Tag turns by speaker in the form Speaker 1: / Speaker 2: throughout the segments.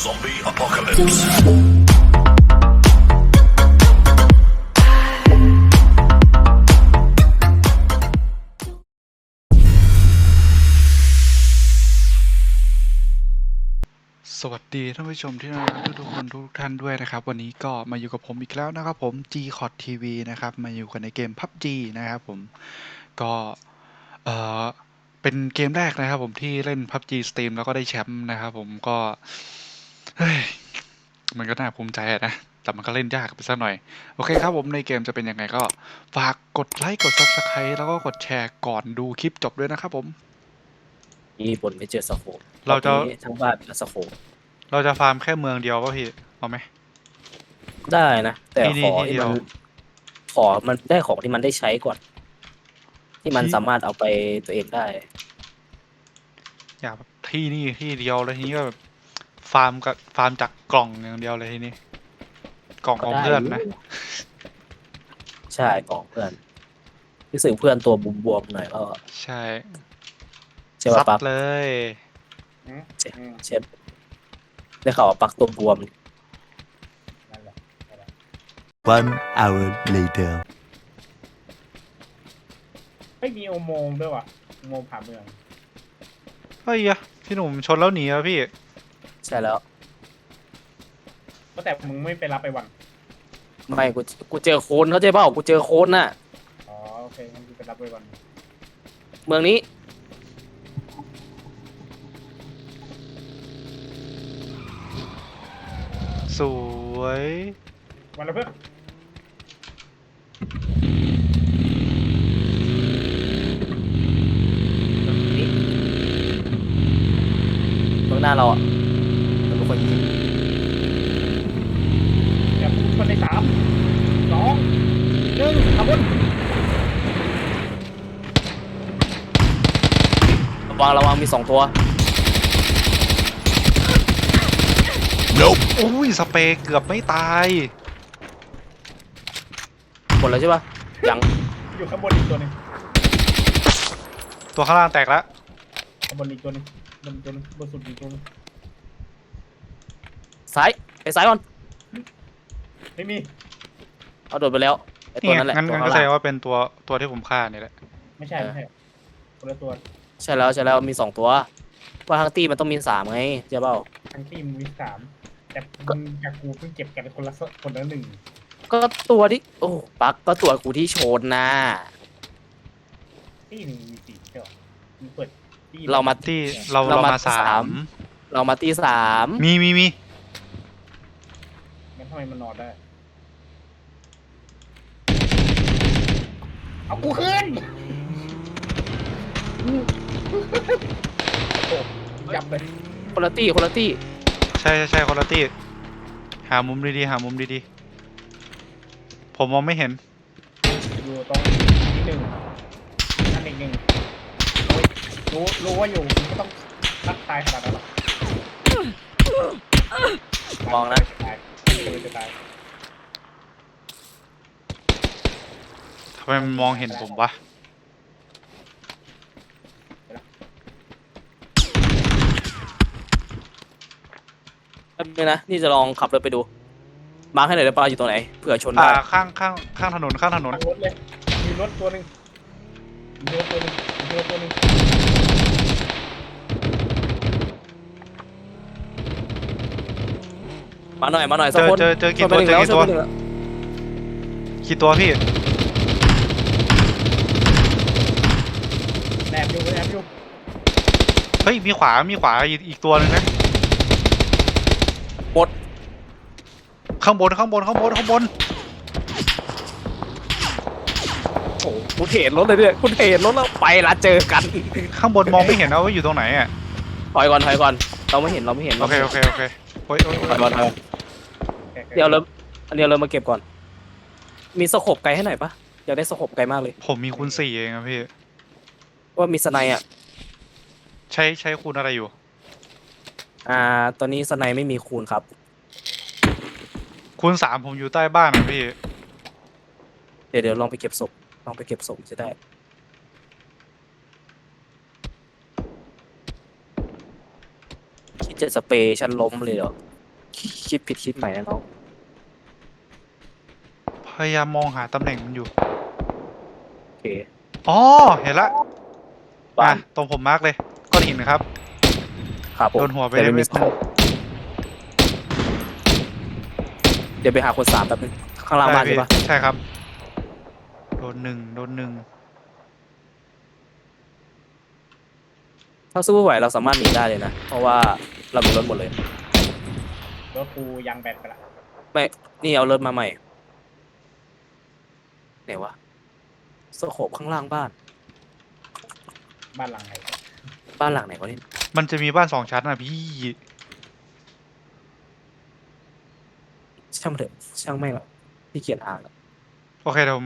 Speaker 1: Zombie apocalypse.
Speaker 2: สวัสดีท่านผู้ชมที่น่ารักทุกคนทุกท่านด้วยนะครับวันนี้ก็มาอยู่กับผมอีกแล้วนะครับผม G-Cod TV นะครับมาอยู่กันในเกม PUBG นะครับผมก็เอ่อเป็นเกมแรกนะครับผมที่เล่น PUBG Steam แล้วก็ได้แชมป์นะครับผมก็เฮ้ยมันก็น่าภูมิใจนะแต่มันก็เล่นยากไปสักหน่อยโอเคครับผมในเกมจะเป็นยังไงก็ฝากกดไลค์กด Subscribe แล้วก็กดแชร์ก่อนดูคลิปจบด้วยนะครับผม
Speaker 3: นี่บนไม่เจอสโคป
Speaker 2: เราจะ
Speaker 3: นี้ทั้งบ้านมีสโคป
Speaker 2: เราจะฟาร์มแค่เมืองเดียวป่ะพี่เอาไหม
Speaker 3: ได้นะแต่
Speaker 2: ที่นี่
Speaker 3: ขอ
Speaker 2: ที่
Speaker 3: ที่
Speaker 2: เดียว
Speaker 3: มันได้ของที่มันได้ใช้ก่อน ที่มันสามารถเอาไปตัวเองได้
Speaker 2: อยากแบบที่นี่ที่เดียวเลยทีนี้ก็แบบฟาร์มกับฟาร์มจากกล่องอย่างเดียวเลยทีนี้กล่องของเพื่อนนะ
Speaker 3: ใช่ของเพื่อนรู้สึกเพื่อนตัวบวมๆหน่อยก็
Speaker 2: ใช่
Speaker 3: ใช่ป่ะ
Speaker 2: ซัด
Speaker 3: ปัก
Speaker 2: เลย
Speaker 3: เช่นได้ข่าวว่าปักตัวบวม
Speaker 4: One hour later.
Speaker 5: ไม่มีอุโมงค์ด้วยว่ะอุโมงค์ผ่านเมือง
Speaker 2: เฮ้ยอะพี่หนุ่มชนแล้วหนีแล้วพี่
Speaker 3: ใช่แล้ว
Speaker 5: ก็แต่มึงไม่ไปรับไปวัน
Speaker 3: ไม่กูเจอโคนเขาใจเปล่ากูเจอโคนน่ะ
Speaker 5: อ๋อโอเคงั้นกูไปรับไปวัน
Speaker 3: เมืองนี้
Speaker 2: สวย
Speaker 5: วันละเพื่อน
Speaker 3: เมืองหน้าเราอ่ะเราเป็นคนยิง
Speaker 5: เดี๋ยวกูชนใน3 2 1ขับรถ
Speaker 3: ระวังมี2 ตัว
Speaker 2: อุ้ยสเปรย์เกือบไม่ตาย
Speaker 3: หมดแล้วใช่ป่ะยัง
Speaker 5: อยู่ข้างบนอีกตัวหนึ่ง
Speaker 2: ตัวข้างล่างแตกแล้ว
Speaker 5: ข้างบนอีกตัวหนึ่งบนตัวหนึงบนสุดอีกตัวหนึง
Speaker 3: ซ้ายไปซ้ายก่อน
Speaker 5: ไม่มี
Speaker 3: เอาโดดไปแล้วไอ้ตั
Speaker 2: นี่
Speaker 3: ว
Speaker 2: ไง
Speaker 3: นั้นแหละ
Speaker 2: งั้น
Speaker 3: ตัว
Speaker 2: ก็
Speaker 3: ข้าง
Speaker 2: แสด
Speaker 3: ล่าง
Speaker 2: งว่าเป็นตัวที่ผมฆ่านี่แหละ
Speaker 5: ไม่ใช่ไม่ใช่คนละตัว
Speaker 3: ใช่แล้วมี2 ตัวว่าทั้งตีมันต้องมี3ไงใช่เปล่า
Speaker 5: ทั้งทีมมี3แต่มึงกับกูเพิ่งเก็บกันคนละ1
Speaker 3: ก็ตัวที่โอ้ปักก็ตัวกูที่โชนนะ
Speaker 5: ที่หนึ่งมี4ใช่หรอมึงเปิดที่
Speaker 3: เรามา
Speaker 2: ที่เรา
Speaker 3: เรามา
Speaker 2: มาสา
Speaker 3: สาม ม เรามาตี3
Speaker 2: มี
Speaker 5: งั้นทำไมมันนอนได้เอากูขึ้นโอ้ยับเลย
Speaker 3: คนละตี
Speaker 2: ใช่คนละตี้หามุมดีๆหามุมดีๆผมมองไม่เห็น
Speaker 5: อยู่ตรงที่1นั่นอีก1โอ้ยรู้ว่าอยู่ไม่ต้องทักตายขนาดนั้นหรอก
Speaker 3: มองนะ
Speaker 5: จะตายจะตาย
Speaker 2: ทำไมมันมองเห็นผมวะ
Speaker 3: แป๊บนึงนะนี่จะลองขับรถไปดูมาร์คให้หน่อยได้ป่ะอยู่ตรงไหนเผื่อชนได้
Speaker 2: ข้างถนน
Speaker 5: ทางรถเลยมีรถตัวหนึ่งมีรถตัวหนึ่งมีรถตัวหนึ่ง
Speaker 3: มาหน่อยสักคน
Speaker 2: เจอกี่ตัว
Speaker 3: ชนไปหนึ่ง
Speaker 2: เจอกี่ตัว
Speaker 3: ชนไปหนึ่งแล้ว
Speaker 2: กี่ตัวพี่
Speaker 5: แอบอยู่
Speaker 2: เฮ้ยมีขวาอีกตัวหนึงนะ
Speaker 3: หมด
Speaker 2: ข้างบน
Speaker 3: โอ้โหกูเทรดรถเลยเนี่ยกูเทรดรถแล้วไปละเจอกัน
Speaker 2: ข้างบนมองไม่เห็นนะว่าอยู่ตรงไหนอ่ะ
Speaker 3: ถอยก่อนเราไม่เห็น
Speaker 2: โอเคโอ้ย
Speaker 3: ถอยก่อนเดี๋ยวอันเดียวเรามาเก็บก่อนมีสโคปไกลให้หน่อยปะอยากได้สโคปไกลมากเลย
Speaker 2: ผมมีคูณ4เองอะพี่
Speaker 3: ว่ามีสไนอ่ะ
Speaker 2: ใช้คูณอะไรอยู่
Speaker 3: ตอนนี้สไนไม่มีคูณครับ
Speaker 2: คูณ3ผมอยู่ใต้บ้านนะพี่
Speaker 3: เดี๋ยวลองไปเก็บศพจะได้คิดจะสเปรย์ฉันล้มเลยเหรอคิดผิดคิดใหม่นะน้อง
Speaker 2: พยายามมองหาตำแหน่งมันอยู่
Speaker 3: โอเค
Speaker 2: อ๋อ เห็นละ
Speaker 3: บ้า
Speaker 2: อ่ะ
Speaker 3: น
Speaker 2: ตรงผมมาร์กเลยก้อนหินนะครับ
Speaker 3: ครับผม
Speaker 2: โดนหัวไป
Speaker 3: แต่
Speaker 2: ได้
Speaker 3: ไม่
Speaker 2: เม็
Speaker 3: มี
Speaker 2: ด
Speaker 3: ส
Speaker 2: หนึ
Speaker 3: โค
Speaker 2: ง
Speaker 3: ปเดี๋ยวไปหาคน3แป๊บนึงข้างล่างบ้านใช่ปะ
Speaker 2: ใช่ครับ โดนหนึ่ง
Speaker 3: ถ้าสู้ไม่ไหวเราสามารถหนีได้เลยนะ เพราะว่าเรามีรถหมดเลย
Speaker 5: รถกูยางแบตไปละ
Speaker 3: ไม่นี่เอารถมาใหม่ไหนวะสโคปข้างล่างบ้าน
Speaker 5: บ้านหลังไหน
Speaker 3: บ้านหลังไหนวะนี่
Speaker 2: มันจะมีบ้าน2 ชั้นนะพี่
Speaker 3: ช่างมันเถอะช่างไม่งละพี่เกียจอ่านละ
Speaker 2: โอเคเดี๋ยวผม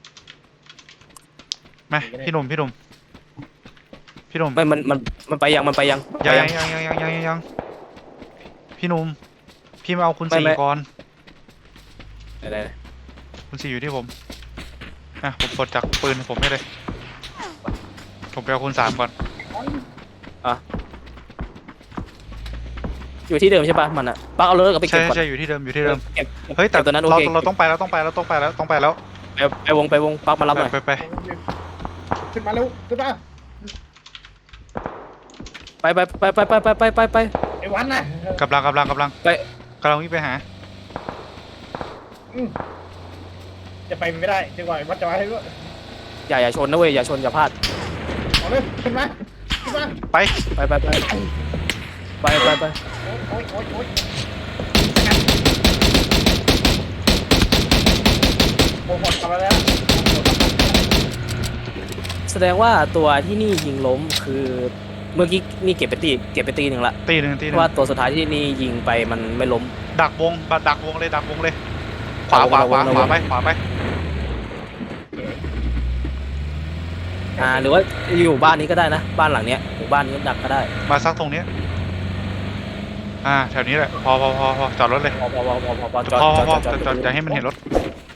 Speaker 2: มาพี่หนุ่มพี่หนุ่ม
Speaker 3: ไม่มันไปยังมันไปยัง
Speaker 2: ยัง
Speaker 3: ไป
Speaker 2: ยังพี่หนุ่มพี่มาเอาคุณ
Speaker 3: ไม่
Speaker 2: สี่
Speaker 3: ไม่
Speaker 2: ก่อน
Speaker 3: ไหน
Speaker 2: คุณสี่อยู่ที่ผมอ่ะผมกดจากปืนผมให้เลย ผมไปเอาคุณ3ก่อน
Speaker 3: อยู่ที่เดิมใช่ปะมันอะปักเอารถกลับไป
Speaker 2: ใช่
Speaker 3: เก็บก่อน
Speaker 2: ใช่อยู่ที่เดิมอยู่ที่เดิม
Speaker 3: เก็บ
Speaker 2: เฮ้ยแต่
Speaker 3: ก็บตัวนั้นโอ
Speaker 2: เรา
Speaker 3: เค
Speaker 2: เราต้องไปแล้วต้องไปแล้ว
Speaker 3: ไปวงปักมารับหน่อย
Speaker 2: ไป
Speaker 5: ขึ้นมาเร็วขึ้นมา
Speaker 3: ไป
Speaker 5: ไอ้วันน่ะ
Speaker 2: กำลัง
Speaker 3: ไป
Speaker 2: กำลังวิ่งไปหา
Speaker 5: จะไปไม่ได้จนกว่าไอ้วัดจะมาให้ด้วย
Speaker 3: อย่าชนนะเว้ยอย่าชนอย่าพลาด
Speaker 5: เอาเลยขึ้นมาขึ้นมา
Speaker 2: ไป
Speaker 3: ไป
Speaker 5: โอ๊ยโอ้โหกลับมาแล้ว
Speaker 3: แสดงว่าตัวที่นี่ยิงล้มคือเมื่อกี้นี่เก็บไปตีหนึ่งละ
Speaker 2: ตีหนึ่ง
Speaker 3: เพราะว่าตัวสุดท้ายที่นี่ยิงไปมันไม่ล้ม
Speaker 2: ดักวงเลยขวาไป
Speaker 3: หรือว่าอยู่บ้านนี้ก็ได้นะบ้านหลังเนี้ยหมู่บ้านนี้ดักก็ได้
Speaker 2: มาซักตรงนี้แถวนี้แหละพอจอดรถเลย
Speaker 3: พอจ
Speaker 2: พอ
Speaker 3: อด
Speaker 2: จะให้มันเห็นรถ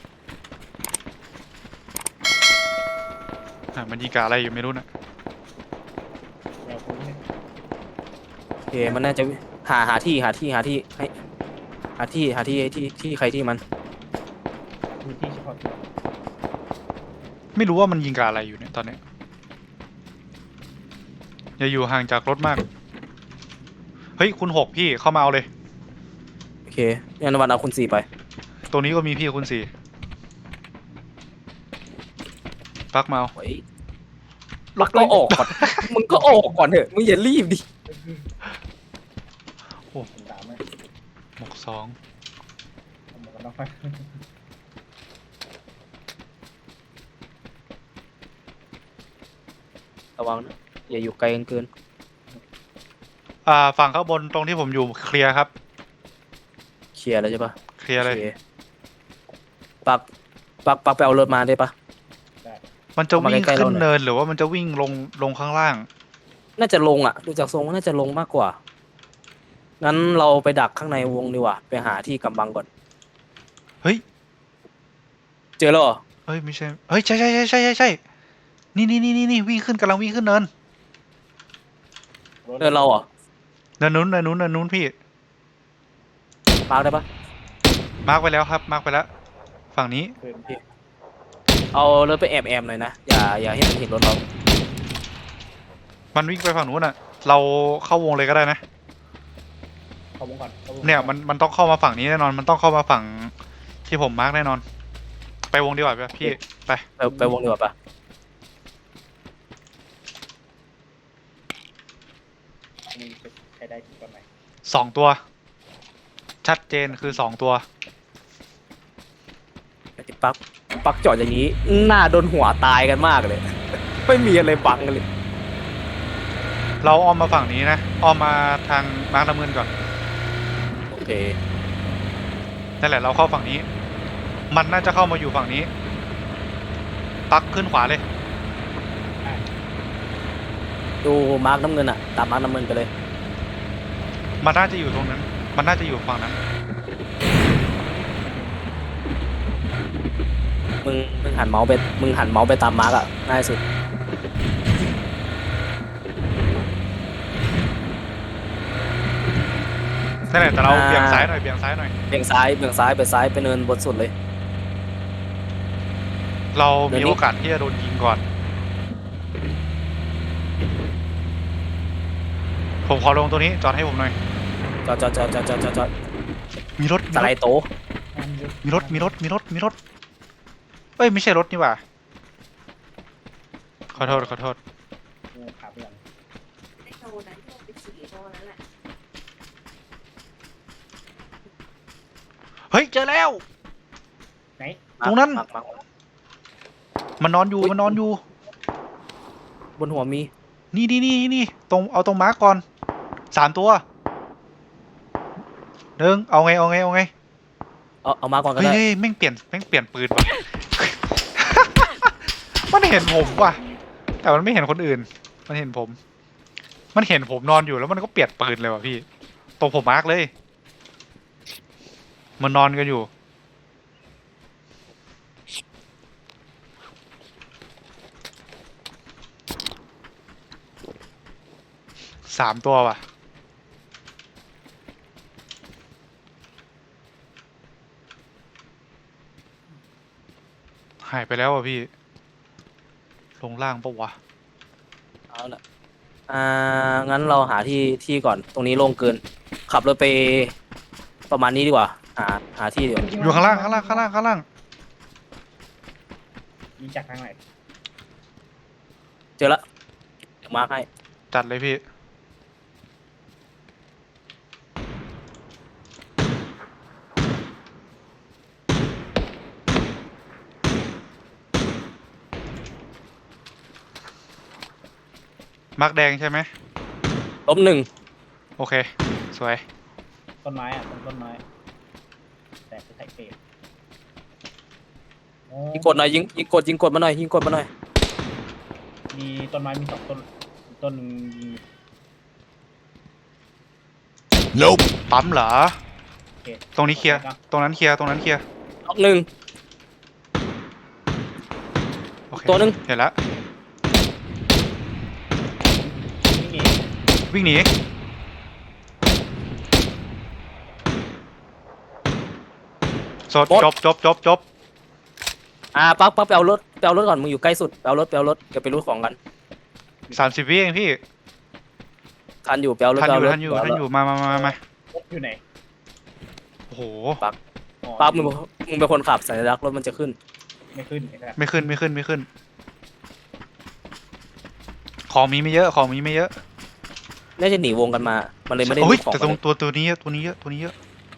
Speaker 2: มันยิงกะอะไรอยู่ไม่รู้นะ
Speaker 5: เดี๋ยวผมเนี่ย
Speaker 3: โอเคมันน่าจะหาที่ให้หาที่ใครที่มัน
Speaker 5: มีที่เฉพาะตัว
Speaker 2: ไม่รู้ว่ามันยิงกะอะไรอยู่เนี่ยตอนนี้อย่าอยู่ห่างจากรถมากเฮ้ยคุณ6พี่เข้ามาเอาเลย
Speaker 3: โอเคงั้นวันเอาคุณ4ไป
Speaker 2: ตรงนี้ก็มีพี่คุณ4ปักมาเอา
Speaker 3: โอ้ยรถก็ออกก่อน มึงก็ออกก่อนเถอะมึงอย่ารีบดิ
Speaker 5: ผมตามไหม
Speaker 2: หมวก2
Speaker 5: เอาหมวกกันน็อกไป
Speaker 3: ระวังนะอย่าอยู่ไกลกันเกิน
Speaker 2: ฝั่งข้างบนตรงที่ผมอยู่เคลียร์ครับ
Speaker 3: เคลียร์แล้วใช่ปะ
Speaker 2: เคลียร์เลย
Speaker 3: โอคปักไปเอารถมาได้ปะ
Speaker 2: มันจะวิ่ง
Speaker 3: เข้ามาใกล้ๆ
Speaker 2: ขึ้น
Speaker 3: เราหน่อย
Speaker 2: เนินหรือว่ามันจะวิ่งลงข้างล่าง
Speaker 3: น่าจะลงอ่ะดูจากทรงน่าจะลงมากกว่างั้นเราไปดักข้างในวงดีกว่าไปหาที่กำบังก่อน
Speaker 2: เฮ้ย
Speaker 3: เจอแล้วเหรอ
Speaker 2: เฮ้ยไม่ใช่เฮ้ยใช่นี่วิ่งขึ้นกำลังวิ่งขึ้นเนิน
Speaker 3: เจอเราเหรอ
Speaker 2: เนินนู้นพี่
Speaker 3: มาร์คได้ปะ
Speaker 2: มาร์กไปแล้วครับมาร์กไปแล้วฝั่งนี้
Speaker 5: เพื่อน
Speaker 3: เอารถไปแอบหน่อยนะอย่าให้มันเห็นรถเรา
Speaker 2: มันวิ่งไปฝั่งนู้นอ่ะ เราเข้าวงเลยก็ได้นะ
Speaker 5: เข้าวงก่อนข้าวงก่อ
Speaker 2: เนี่ยมันต้องเข้ามาฝั่งนี้แน่นอนมันต้องเข้ามาฝั่งที่ผมมาร์กแน่นอน ไปวงดีกว่าพี่ไป
Speaker 3: ไปวงดีกว่าปะ
Speaker 5: มีใช้ได้ที่ตอนไหน
Speaker 2: 2 ตัว ชัดเจนคือ2 ตัว
Speaker 3: ไอ้ปักจอดอย่างนี้หน้าโดนหัวตายกันมากเลย ไม่มีอะไรบังกันเลย
Speaker 2: เราอ้อมมาฝั่งนี้นะอ้อมมาทางมาร์กน้ำเงินก่อน
Speaker 3: โอเค
Speaker 2: นั่นแหละเราเข้าฝั่งนี้ มันน่าจะเข้ามาอยู่ฝั่งนี้ ปักขึ้นขวาเลย
Speaker 3: ดูมาร์กน้ำเงินอ่ะตามมาร์กน้ำเงินไปเลย
Speaker 2: มันน่าจะอยู่ตรงนั้น มันน่าจะอยู่ฝั่งนั้น
Speaker 3: มึงหันเมาส์ไปตามมาร์กอ่ะง่ายสุด
Speaker 2: นั่นแหละแต่เราเบี่ยงซ้ายหน่อยเบี่ยงซ้ายหน่อย
Speaker 3: เบี่ยงซ้ายเบี่ยงซ้ายไปซ้ายไปเนินบนสุดเลย
Speaker 2: เรา
Speaker 3: เดี๋
Speaker 2: มี
Speaker 3: ยวนี้
Speaker 2: โอกาสที่จะโดนยิงก่อน ผมขอลงตัวนี้จอดให้ผมหน่อย
Speaker 3: จอด
Speaker 2: มีรถ
Speaker 3: สไลด์โตะ
Speaker 2: มีรถเอ้ยไม่ใช่รถนี่หว่าขอโทษ
Speaker 5: กูขาเปลี่ยน
Speaker 1: ไอ้โตนั้นที่มันเป็นสีโตนั้นแหละ
Speaker 2: เฮ้ยเจอแล้ว
Speaker 5: ไหน
Speaker 2: ตรงนั้น
Speaker 3: มา
Speaker 2: มันนอนอยู่
Speaker 3: บนหัวมี
Speaker 2: นี่ตรงเอาตรงมาร์กก่อน3 ตัวหนึ่งเอาไง
Speaker 3: เอามาก่อนก็
Speaker 2: เฮ้ย
Speaker 3: ได้
Speaker 2: แม่งเปลี่ยนปืนว่ะ มันเห็นผมว่ะแต่มันไม่เห็นคนอื่นมันเห็นผมนอนอยู่แล้วมันก็เปลี่ยนปืนเลยว่ะพี่ตรงผมมาร์กเลยมันนอนกันอยู่3 ตัวว่ะหายไปแล้วอ่ะพี่ลงล่างปะวะ
Speaker 3: เอาละงั้นเราหาที่ก่อนตรงนี้โล่งเกิน ขับรถไปประมาณนี้ดีกว่า หาที่ดีกว่า
Speaker 2: อยู่ข้างล่าง
Speaker 5: ยิงจากทางไหน
Speaker 3: เจอละเดี๋ยวมาร์คให้
Speaker 2: จัดเลยพี่มาร์กแดงใช่ไหม
Speaker 3: ล้มหนึ่ง
Speaker 2: โอเคสวย
Speaker 5: ต้นไม้อ่ะต้นไม้แต่คือไทเปรตโอ้
Speaker 3: ยิงกดหน่อยยิงกดมาหน่อย
Speaker 5: มีต้นไม้มี2 ต้นต้นหนึ่งยิง
Speaker 4: Nope.
Speaker 2: ปั๊มเหรอ
Speaker 5: โอเค
Speaker 2: ตรงนี้เคลียร์ตรงนั้นเคลียร์
Speaker 3: ล็อกหนึ่ง
Speaker 2: โอเค
Speaker 3: ตัวหนึ่ง
Speaker 2: เห็นแล้ว
Speaker 5: นี่
Speaker 2: วิ่งหนีจบ
Speaker 3: ปักไปเอารถก่อนมึงอยู่ใกล้สุดไปเอารถเดี๋ยวไปรูดของกัน
Speaker 2: 30 วิเองพี่
Speaker 3: ทันอยู่ไปเอารถ
Speaker 2: ทัน
Speaker 3: ไป
Speaker 2: อ
Speaker 3: เอารถ
Speaker 2: ยู่มา
Speaker 5: รถอยู่ไหน
Speaker 2: โอ้โห
Speaker 5: อ๋อ
Speaker 3: ปักมึงเป็นคนขับสัญลักษณ์รถมันจะขึ้น
Speaker 5: ไม่ขึ้นไอ้สัส
Speaker 2: ไม่ขึ้นของมีไม่เยอะ
Speaker 3: น่าจะหนีวงกันมา มันเลยไม่ได้
Speaker 2: โอ้
Speaker 3: รู
Speaker 2: ย
Speaker 3: ดของ
Speaker 2: แต่
Speaker 3: กันเลย
Speaker 2: ตัวนี้เยอะ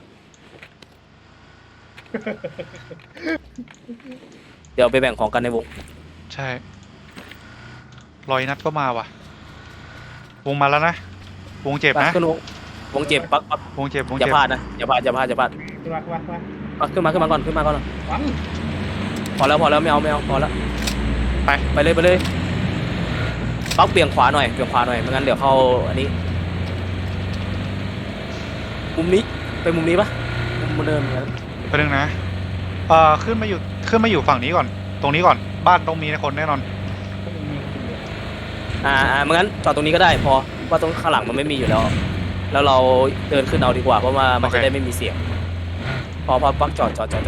Speaker 3: เดี๋ยวไปแบ่งของกันในวง
Speaker 2: ใช่รอยนัดก็มาว่ะวงมาแล้วนะวงเจ็บ
Speaker 3: ปัก
Speaker 2: นะ
Speaker 3: ขึ้นวงเจ็บปัก
Speaker 2: วงเจ็บ
Speaker 3: อย่าพลาดนะอย่าพลาด
Speaker 5: ขึ้นมา
Speaker 3: ปักขึ้นมาก่อน
Speaker 5: วัง
Speaker 3: พอแล้วไม่เอาพอแล้ว ไปเลยปักเบี่ยงขวาหน่อยไม่งั้นเดี๋ยวเข้าอันนี้มุมนี้ไปมุมนี้ปะมุมเดิมกัน
Speaker 2: ไปนึงนะขึ้นมาอยู่ฝั่งนี้ก่อนตรงนี้ก่อนบ้านต้องมีคนแน่นอน
Speaker 5: พวกมึงมีคนเดียว
Speaker 3: ไม่งั้นจอดตรงนี้ก็ได้พอว่าตรงข้างหลังมันไม่มีอยู่แล้วเราเดินขึ้นเอาดีกว่าเพราะว่ามันจะได้ไม่มีเสียงพอปักจอด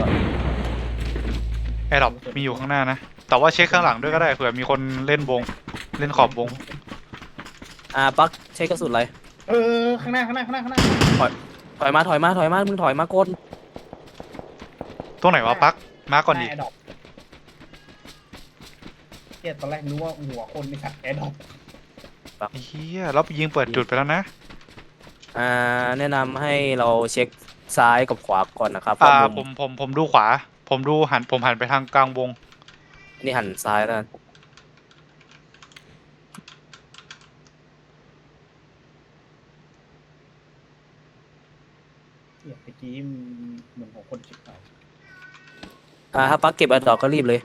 Speaker 2: แอร์ดรอปมีอยู่ข้างหน้านะแต่ว่าเช็คข้างหลังด้วยก็ได้เผื่อมีคนเล่นขอบวง
Speaker 3: ปักใช้กระสุนอะไร
Speaker 5: ข้างหน้า
Speaker 3: ถอยมามึงถอยมาก้น
Speaker 2: ตรงไหนวะปักมาก่อนดิ
Speaker 5: แอร์ดรอปเฮียตอนแรกนึกว่าหัวคนไม่สัตว์แอร์ดรอป
Speaker 2: เฮียแล้วยิงเปิดจุดไปแล้วนะ
Speaker 3: แนะนำให้เราเช็คซ้ายกับขวาก่อนนะครับ
Speaker 2: ผมดูขวาผมหันไปทางกลางวง
Speaker 3: นี่หันซ้ายแล้ว
Speaker 5: เฮียเมื่อกี้เหมือนหัวคนชิบหาย
Speaker 3: ถ้าปักเก็บอันดอกก็รีบเลย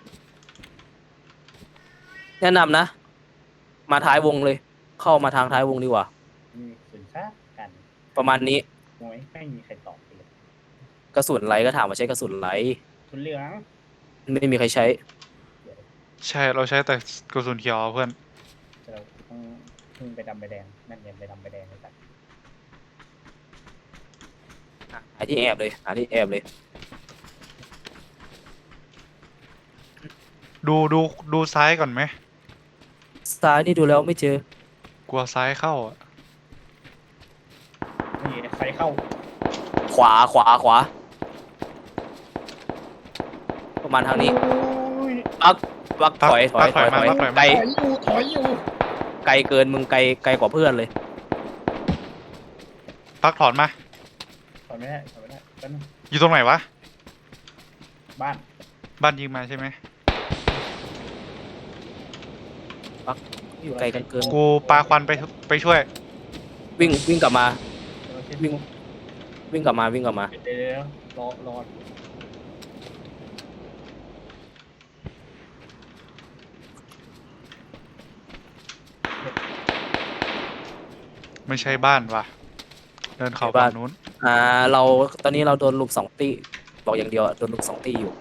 Speaker 3: แนะนำนะ มาท้ายวงเลย เข้ามาทางท้ายวงดีกว่า
Speaker 5: มีสุนทรกัน
Speaker 3: ประมาณนี้
Speaker 5: โอ้ยไม่มีใครตอบเลย
Speaker 3: กระสุนไรก็ถามว่าใช้กระสุนไร
Speaker 5: สุนเหลือง
Speaker 3: ไม่มีใครใช้
Speaker 2: ใช่เราใช้แต่กระสุนเขียวเพื่อน
Speaker 5: เราต้องไปดำไปแดงนั่นไงไปดำไปแดงเลยสัตว์
Speaker 3: หาที่แอบเลยหาที่แอบเลย
Speaker 2: ดูซ้ายก่อนไหม
Speaker 3: ซ้ายนี่ดูแล้วไม่เจอก
Speaker 2: ลัวซ้ายเข้าอะ
Speaker 5: นี่ใส่เข้า
Speaker 3: ขวาประมาณทางนี้
Speaker 5: โอ้ย
Speaker 3: ปักถอย
Speaker 2: ปักถอยมา
Speaker 3: ไกล
Speaker 5: ถอยอยู่
Speaker 3: ไกลเกินมึงไกลกว่าเพื่อนเลย
Speaker 2: ปักถอนมา
Speaker 5: ถอยไม่ได้กัน
Speaker 2: อยู่ตรงไหนวะ
Speaker 5: บ้าน
Speaker 2: บ้านยิงมาใช่ไหม
Speaker 3: อยู่ไกลกันเกิน
Speaker 2: กูปาควันไปช่วย
Speaker 3: วิ่งกลับมา
Speaker 5: วิ่ง
Speaker 3: วิ่งกลับมา
Speaker 5: เดี๋ยวรอ
Speaker 2: ไม่ใช่บ้านว่ะ เดินเข้าฝั่งนู้น
Speaker 3: เราตอนนี้เราโดนลุม2 ตีบอกอย่างเดียวอะโดนลุม2 ตีอยู่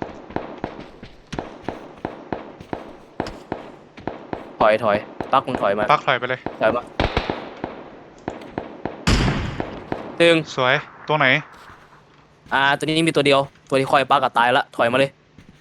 Speaker 3: ถอยปักมึงถอยมา
Speaker 2: ปักถอยไปเลย
Speaker 3: ถอยมาตึง
Speaker 2: สวย ตัวไหน
Speaker 3: ตัวนี้มีตัวเดียวตัวที่คอยปักกับตายละถอยมาเลย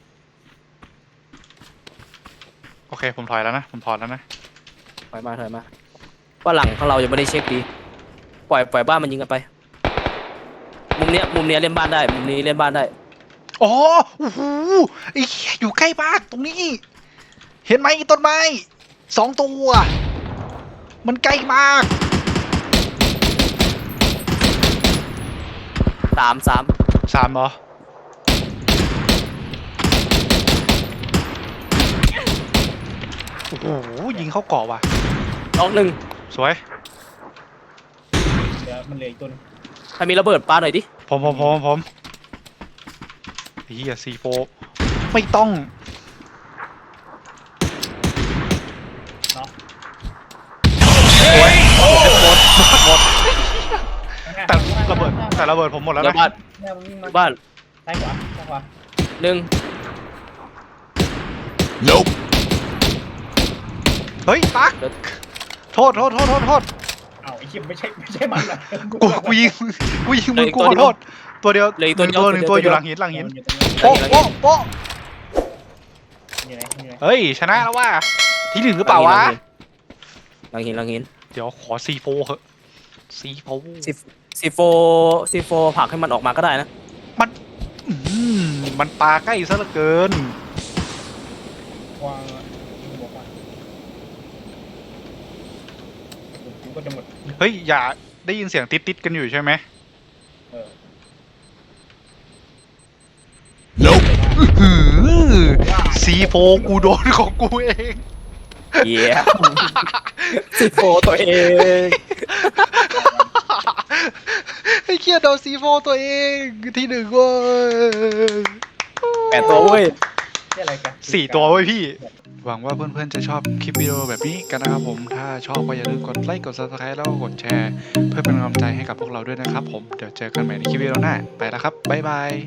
Speaker 2: โอเค ผมถอยแล้วนะ ผมถอนแล้วนะ
Speaker 3: ถอยมาว่าหลังของเรายังไม่ได้เช็คดีปล่อยบ้านมันยิงกันไปมุมเนี้ยเล่นบ้านได้มุมนี้เล่นบ้านได้
Speaker 2: อ๋อโอ้โหไอ้เหี้ยอยู่ใกล้มากตรงนี้ เห็นไหมไอ้ต้นไม้2 ตัว มันใกล้มาก
Speaker 3: 3
Speaker 2: เหรอ โอ้โห ยิงเข้าเกาะว่ะ
Speaker 3: น้องหนึ่ง
Speaker 2: สวย
Speaker 5: เดี๋ยวมันเหลืออีกตัวนึง
Speaker 3: ถ้ามีระเบิดปาหน่อยดิ
Speaker 2: ผมไอ้เหี้ยC4ไม่ต้อง
Speaker 5: เนาะ
Speaker 2: หมด แต่ระเบิดผมหมดแล้ว
Speaker 3: เดี๋ย
Speaker 2: นะ
Speaker 3: วบ้าน
Speaker 5: เนี่ยมันวิ่งมา
Speaker 3: บ้าน
Speaker 5: ซ้ายขวา
Speaker 3: หนึ่ง
Speaker 4: Nope.
Speaker 2: เฮ้ยปักโทษ
Speaker 5: อ้าวไอ้เหี้ยไม่ใช่มันนะ
Speaker 2: กูยิงมึงกูขอโทษ ตัวเดียว
Speaker 3: เหลืออีกตัวเดียว
Speaker 2: หนึ่งตัวอยู่หลังหิน
Speaker 5: มันอยู่ตรงนี้
Speaker 2: โป๊ะ
Speaker 5: อยู่ไหน
Speaker 2: เฮ้ย ชนะแล้วว่าที่ 1หรือเปล่าวะ
Speaker 3: หลังหิน
Speaker 2: เดี๋ยวขอC4เหอะC4
Speaker 3: C4 ผลักให้มันออกมาก็ได้นะ
Speaker 2: มันปาใกล้ซะเหลือเกิน
Speaker 5: วางบอกว่ากูก็จะหมด
Speaker 2: เฮ้ย อย่าได้ยินเสียงติดกันอยู่ใช่ไหม
Speaker 5: เออ
Speaker 4: Nope.
Speaker 2: C4 กูโดนของกูเอง
Speaker 3: เย้C4 ตัวเอง
Speaker 2: ไอ้เคียโดนC4 ตัวเองที่ 1เว้ย
Speaker 3: 8 ตัวเว้ย
Speaker 5: นี่อะไรกัน
Speaker 2: 4 ตัวเว้ยพี่ หวังว่าเพื่อนๆจะชอบคลิปวิดีโอแบบนี้กันนะครับผม ถ้าชอบก็อย่าลืมกดไลค์ กด Subscribe แล้วก็กดแชร์ เพื่อเป็นกำลังใจให้กับพวกเราด้วยนะครับผม เดี๋ยวเจอกันใหม่ในคลิปวิดีโอหน้า ไปแล้วครับ บ๊ายบาย